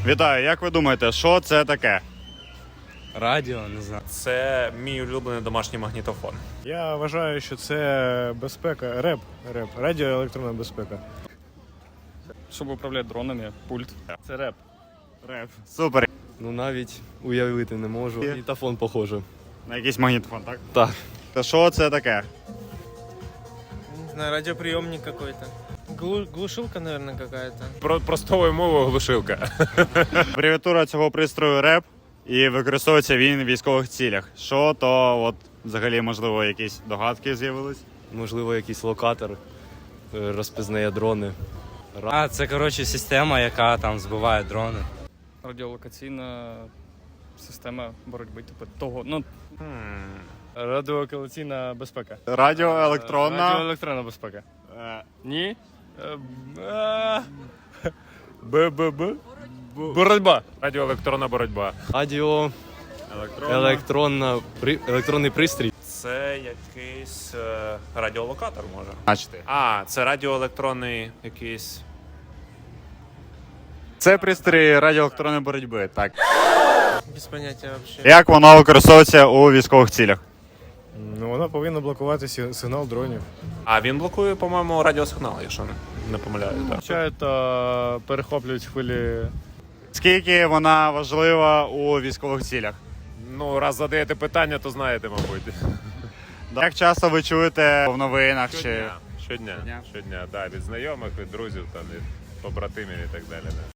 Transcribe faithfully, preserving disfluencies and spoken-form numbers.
Вітаю, як ви думаєте, що це таке? Радіо, не знаю. Це мій улюблений домашній магнітофон. Я вважаю, що це безпека, реп, реп, радіоелектронна безпека. Щоб управляти дронами, пульт. Це реп. Реп. Супер. Ну навіть уявити не можу. Магнітофон похоже. На якийсь магнітофон, так? Так. Та що це таке? Не знаю, радиоприемник какой-то. Глу- глушилка, наверное, какая-то. Про простою мовою глушилка. Абревіатура цього пристрою реп, і використовується він в військових цілях. Що то, от, взагалі, можливо, якісь догадки з'явились? Можливо, якийсь локатор е, розпізнає дрони. А, це, коротше, система, яка там збиває дрони. Радіолокаційна система боротьби, типу того. Ну, радіолокаційна безпека. Радіоелектронна. Радіоелектронна безпека. Е, Ні. Б-б-б. Боротьба. Радіоелектронна боротьба. Радіо, електронна. електронна, при, електронний пристрій. Це якийсь е, радіолокатор може. Бачите. А, це радіоелектронний якийсь. Це пристрій радіоелектронної боротьби, так. Без понятия вообще. Як воно використовується у військових цілях? Ну, вона повинна блокувати сі- сигнал дронів. А він блокує, по-моєму, радіосигнал, якщо не, не помиляю. Так. Включають та перехоплюють хвилі. Скільки вона важлива у військових цілях? Ну, раз задаєте питання, то знаєте, мабуть. Як часто ви чуєте в новинах чи Щодня. Щодня. Щодня? Щодня, так, від знайомих, від друзів, там, від побратимів і так далі. Да.